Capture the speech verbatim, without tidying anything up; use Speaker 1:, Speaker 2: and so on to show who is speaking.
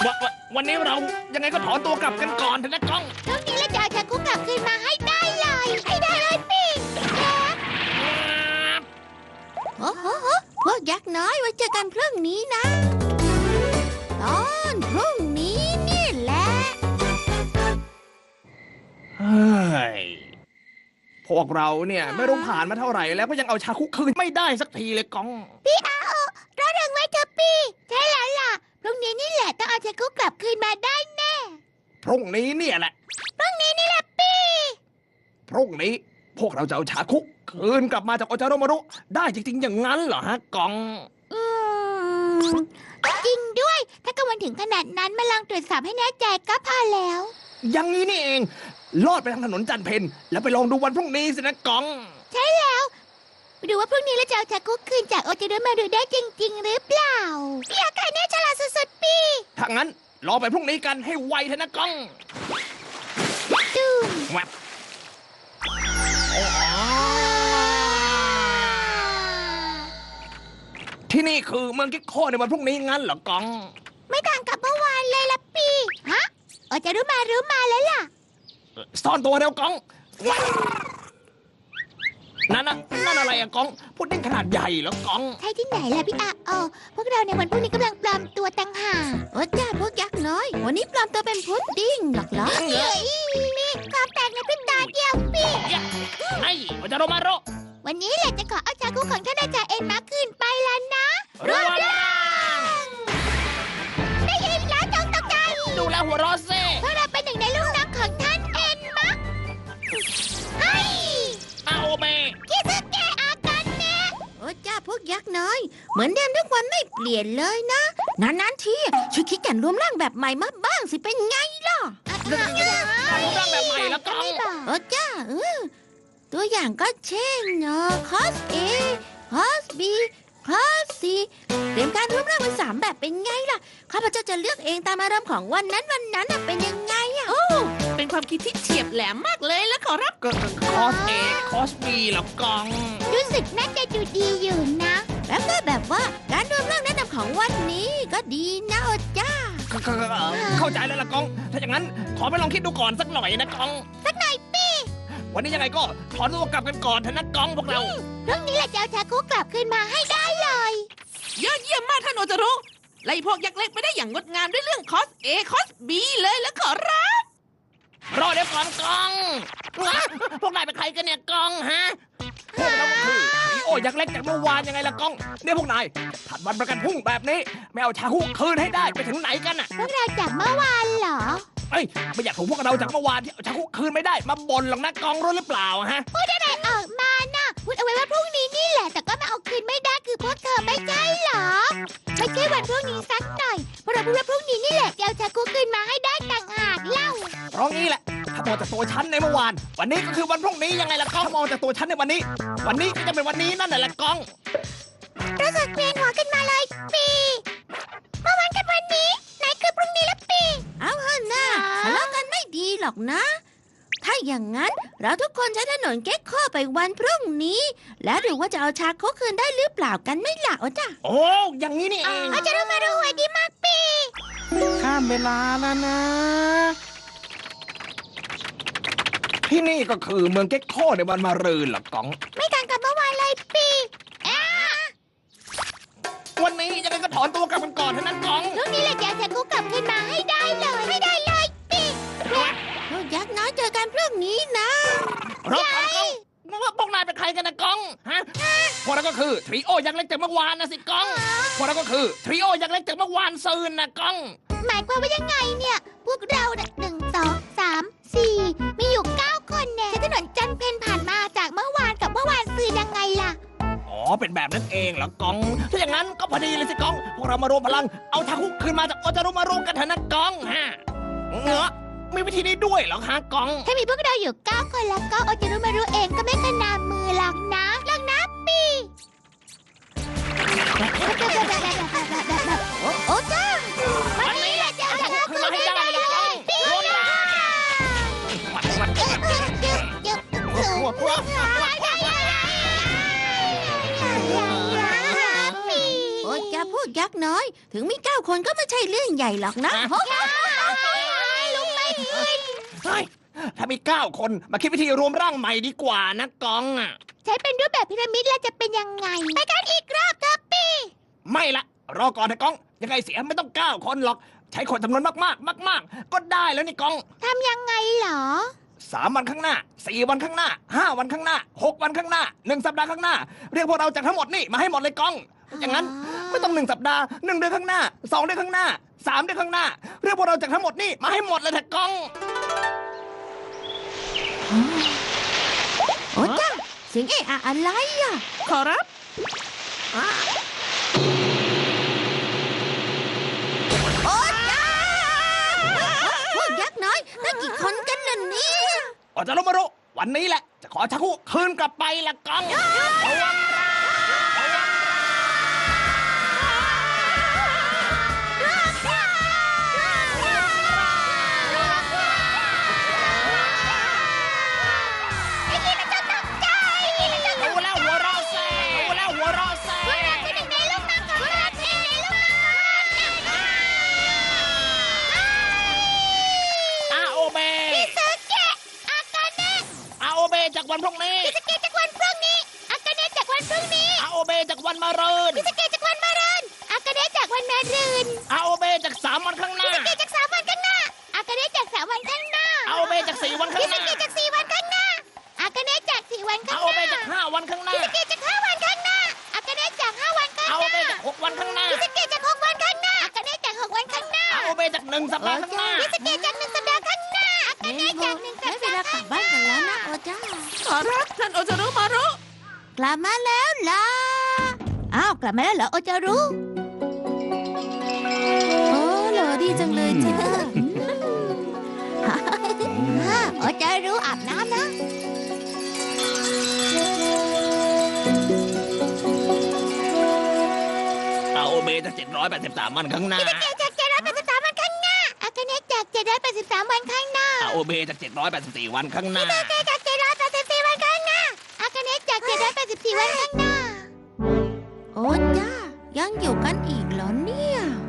Speaker 1: วะวะวันนี้เรายังไงก็ถอนตัวกลับกันก่อนเถอะนะก้อง
Speaker 2: พรุ่งนี้เราจะเอาชาคุกลับคืนมาให้ได้เลยให้ได้เลยปีโอ้โหพวกยักษ์น้อยไว้เจอกันพรุ่งนี้นะตอนพรุ่งนี้นี่แหละ
Speaker 1: เฮ้ยพวกเราเนี่ยไม่รู้ผ่านมาเท่าไหร่แล้วก็ยังเอาชาคุกคืนไม่ได้สักทีเลยก้อง
Speaker 2: พี่อาโอรอเริงไว้เถอะพี่ใช่แล้วล่ะพรุ่งนี้นี่แหละต้องเอาชาคุกกลับคืนมาได้แน่
Speaker 1: พรุ่งนี้เนี่ยแหละ
Speaker 2: พรุ่งนี้นี่แหละพี่
Speaker 1: พรุ่งนี้พวกเราจะเอาชาคุกคืนกลับมาจากโอจาโรมารุได้จริงๆอย่างนั้นเหรอฮะก้อง
Speaker 2: อืมจริงด้วยถ้ากังวลถึงขนาดนั้นมาลองตรวจสอบให้แน่ใจก็พอแล้ว
Speaker 1: อย่างนี้นี่เองลอดไปทางถนนจันเพนแล้วไปลองดูวันพรุ่งนี้สินะก้อง
Speaker 2: ใช่แล้วไปดูว่าพรุ่งนี้เราจะเอาชาคุกคืนจากโอจิโรมารุได้จริง ๆ หรือเปล่าพี่อาคาเน่ฉลาดสุดๆพี่
Speaker 1: ถ้างั้นรอไปพรุ่งนี้กันให้ไวเถอะนะก้อง
Speaker 2: ดูม
Speaker 1: แวบที่นี่คือเมืองกิโคในวันพรุ่งนี้งั้นเหรอก้อง
Speaker 2: ไม่ต่างกับเมื่อวานเลยล่ะพี่ฮะโอจิโรมารุมาแล้วล่ะ
Speaker 1: ซ่อนตัวเร็วก้องแวบนั่นน่ะนั่นอะไรอะก้องพุดดิ้งขนาดใหญ่เหรอก้อง
Speaker 2: ใช่ที่ไหนล่ะพี่อาโอพวกเราในวันพรุ่งนี้กำลังปลอมตัวต่างหากโอ้จ้าพวกยักษ์น้อยวันนี้ปลอมตัวเป็นพุดดิ้งหรอกเหรอเฮ้ยนี่ความแตกในพริบตาเดียวพี่
Speaker 1: ไอ้โอจาโรมารุ
Speaker 2: วันนี้แหละจะขอเอาชาคุของท่านอาจารย์เอ็นมาคืนไปแล้วนะ
Speaker 1: รวมร่าง
Speaker 2: ได้ยินแล้วจงตกใจ
Speaker 1: ดูแลหัวเรอเซ่
Speaker 2: เพราะเราเป็นหนึ่งในลูกน้องของท่านเอ็นมาเฮ้ย
Speaker 1: อาโอเม
Speaker 2: คิซึเกะอากันเนะโอ้จ้าพวกยักษ์น้อย เหมือนเดิมทุกวันไม่เปลี่ยนเลยนะนานๆทีช่วยคิดกันรวมร่างแบบใหม่มาบ้างสิเป็นไงล่ะ
Speaker 1: รวมร่างแบบใหม่แล้วก้อง
Speaker 2: โอ้จ้าเออตัวอย่างก็เช่นเนาะคอสเอคอสบีคอสซีเตรียมการรวมร่างเป็นสามแบบเป็นไงล่ะข้าพเจ้าจะเลือกเองตามอารมณ์ของวันนั้นวันนั้นน่ะเป็นยังไงอะ
Speaker 3: โอ้ เป็นความคิดที่เฉียบแหลมมากเลยแล้วขอรับ
Speaker 1: ก็คอสเอคอสบีเหรอก้อง
Speaker 2: รู้สึกน่าจะดูดีอยู่นะ แล้วก็แบบว่าการรวมร่างแนะนำของวันนี้ก็ดีนะโอจ้า
Speaker 1: เข้าใจแล้วล่ะก้อง ถ้าอย่างนั้นขอไปลองคิดดูก่อนสักหน่อยนะก้อง
Speaker 2: สักหน่อยปี
Speaker 1: วันนี้ยังไงก็ถอนตัวกลับกันก่อนเถอะนะก้องพวกเรา
Speaker 2: พรุ่งนี้เราจะเอาชาคุกลับคืนมาให้ได้เลย
Speaker 3: ยอดเยี่ยมมากท่านโอจารุไล่พวกยักษ์เล็กไปได้อย่างงดงามด้วยเรื่องคอสเอคอสบีเลยแล้วขอรับ
Speaker 1: รอเดี๋ยวก่อนก้อง พวกนายเป็นใครกันเนี่ยก้องฮะ พวกเราก็คือโอ้ยักษ์เล็กจากเมื่อวานยังไงล่ะก้องเนี่ยพวกนายถัดวันประกันพรุ่งแบบนี้ไม่เอาชาคุคืนให้ได้ไปถึงไหนกันอ่ะ
Speaker 2: พวกเราจากเมื่อวานเหรอ
Speaker 1: เอ้ยไม่อยากถูกพวกเราจากเมื่อวานที่เอาชาคุคืนไม่ได้มาบ่นหรอกนะก้องรู้หรือเปล่าฮะ
Speaker 2: พูดอะไรออกมาน่ะ พูดเอาไว้ว่าพรุ่งนี้นี่แหละ แต่ก็มาเอาคืนไม่ได้คือพวกเธอไม่ใช่เหรอ ไม่ใช่วันพรุ่งนี้สักหน่อย เพราะเราพูดว่าพรุ่งนี้นี่แหละจะเอาชาคุคืนมาให้ได้ต่างหากเล่า
Speaker 1: เพราะงี้แหละ ถ้ามองจากตัวฉันในเมื่อวาน วันนี้ก็คือวันพรุ่งนี้ยังไงล่ะก้องมองจากตัวฉันในวันนี้ วันนี้ก็จะเป็นวันนี้นั่นแหละก้อง
Speaker 2: รู้สึกเวียนหัวขึ้นมาเลยปีเมื่อวานกับวันนี้ไหนคือพรุ่งนี้ละปีเอาเถอะนะทะเลาะกันไม่ดีหรอกนะ ถ้าอย่างนั้นเราทุกคนใช้ถนนเก๊กข้อไปวันพรุ่งนี้ แล้วดูว่าจะเอาชาโคคืนได้หรือเปล่ากันไม่ล่ะโอ้จ้ะ
Speaker 1: โอ้อย่างนี้นี่เอง
Speaker 2: อาจจะรู้มาดูหัวดีมากปี
Speaker 1: ข้ามเวลาแล้วนะ ที่นี่ก็คือเมืองเก๊กโคในวันมารืนเหรอก้อง
Speaker 2: ไม่ต่างกับเมื่อวานเลยปีอ่า
Speaker 1: วันนี้ยังไงก็ถอนตัวกลับกันก่อนเถอะนะก้อง
Speaker 2: พรุ่งนี้เราจะเอาชาโคกลับคืนมาให้ได้เลยให้ได้เลยปีพวกยักษ์น้อยเจอกันพรุ่งนี้นะ
Speaker 1: รถของก้องพวกนายเป็นใครกันนะก้องฮะพวกเราก็คือทริโอยักษ์เล็กจากเมื่อวานนะสิก้องพวกเราก็คือทริโอยักษ์เล็กจากเมื่อวานซืนนะก้อง
Speaker 2: หมายความว่ายังไงเนี่ย พวกเราเนี่ยหนึ่งสองสามสี่มีอยู่เก้าคนเนี่ยถนนจันเพนผ่านมาจากเมื่อวานกับเมื่อวานซืนยังไงล่ะ
Speaker 1: อ๋อเป็นแบบนั้นเองเหรอก้องถ้าอย่างนั้นก็พอดีเลยสิก้องพวกเรามารวมพลังเอาทาคุคืนมาจากโอจารุมารุกันเถอะนะก้องฮะเงาะมีวิธีนี้ด้วยเหรอฮะก้อง
Speaker 2: ถ้ามีพวกเราอยู่เก้าคนแล้วก็โอจิรุมารุเองก็ไม่ขนามือหรอกนะหรอกนะปีโอ้โอ้จ้าวันนี้แหละจะเอาชนะคืนให้ได้เลยปีเดี๋ยวเดี๋ยวโอ้จ้าพวกยักษ์น้อยถึงมีเก้าคนก็ไม่ใช่เรื่องใหญ่หรอกนะลุงไม่ผิด
Speaker 1: เฮ้ยถ้ามีเก้าคนมาคิดวิธีรวมร่างใหม่ดีกว่านะกองอ่ะ
Speaker 2: ใช้เป็นรูปแบบพีระมิดแล้วจะเป็นยังไง ไปกันอีกรอบเถอะปี
Speaker 1: ไม่ละรอก่อนนะกอง ยังไงเสียไม่ต้องเก้าคนหรอก ใช้คนจำนวนมากๆ มาก ๆ ก็ได้แล้วนี่กอง
Speaker 2: ทำยังไงเหรอ
Speaker 1: สามวันข้างหน้าสี่วันข้างหน้าห้าวันข้างหน้าหกวันข้างหน้าหนึ่งสัปดาห์ข้างหน้า เรียกพวกเราจากทั้งหมดนี่มาให้หมดเลยกอง อย่างนั้นไม่ต้องหนึ่งสัปดาห์หนึ่งเดือนข้างหน้าสองเดือนข้างหน้าสามเดือนข้างหน้า เรียกพวกเราจากทั้งหมดนี่มาให้หมดเลยเถอะกอง
Speaker 2: โอ้จ้าเสียงเอะอะอะไรอ่ะ
Speaker 3: ขอรับ
Speaker 2: โอ้จ้าพวกยักษ์น้อยตั้งกี่คนกันล่ะเนี่ย
Speaker 1: ออกจะรู้มารู้วันนี้แหละ จะขอชักคู่คืนกลับไปละกองระวังรู้แล้วหัวเราะแซ่รู้แล้วหัวเราะแซ่อาโอเบอาโอเบจากวันพรุ่งนี้อาโอเบจากวันมะรืนอาโอเบจากสามวันข้างหน้าอาโอเบจากสี่วันข้างหน้าอาโอเบจากห้าวันข้างหน้าอาโอเบจากหกวันข้างหน้าอาโอเบจากหนึ่งสัปดาห์ข้างหน้า
Speaker 2: ได้เวลากลับบ้านกันแล้วนะโอจ้า
Speaker 3: ขอรับท่านโอจารุมารุ
Speaker 2: กลับมาแล้วล่ะ อ้าว กลับมาแล้วเหรอโอจะรู้โอ้หล่อดีจังเลยจ้าโอจะรู้อาบน้ำนะ
Speaker 1: อาโอเบจากเจ็ดร้อยแปดสิบสามวันข้างหน้า
Speaker 2: จากเจ็ดร้อยแปดสิบสามวันข้างหน้าอากาเนะจากเจ็ดร้อยแปดสิบสามวันข้างหน้า
Speaker 1: อาโอเบจากเจ็ดร้อยแปดสิบสี่วันข้างหน้า
Speaker 2: จากเจ็ดร้อยแปดสิบสี่วันข้างหน้าอากาเนะจากเจ็ดร้อยแปดสิบสี่วันข้างหน้า โอ้จ้ายังอยู่กันอีกเหรอเนี่ย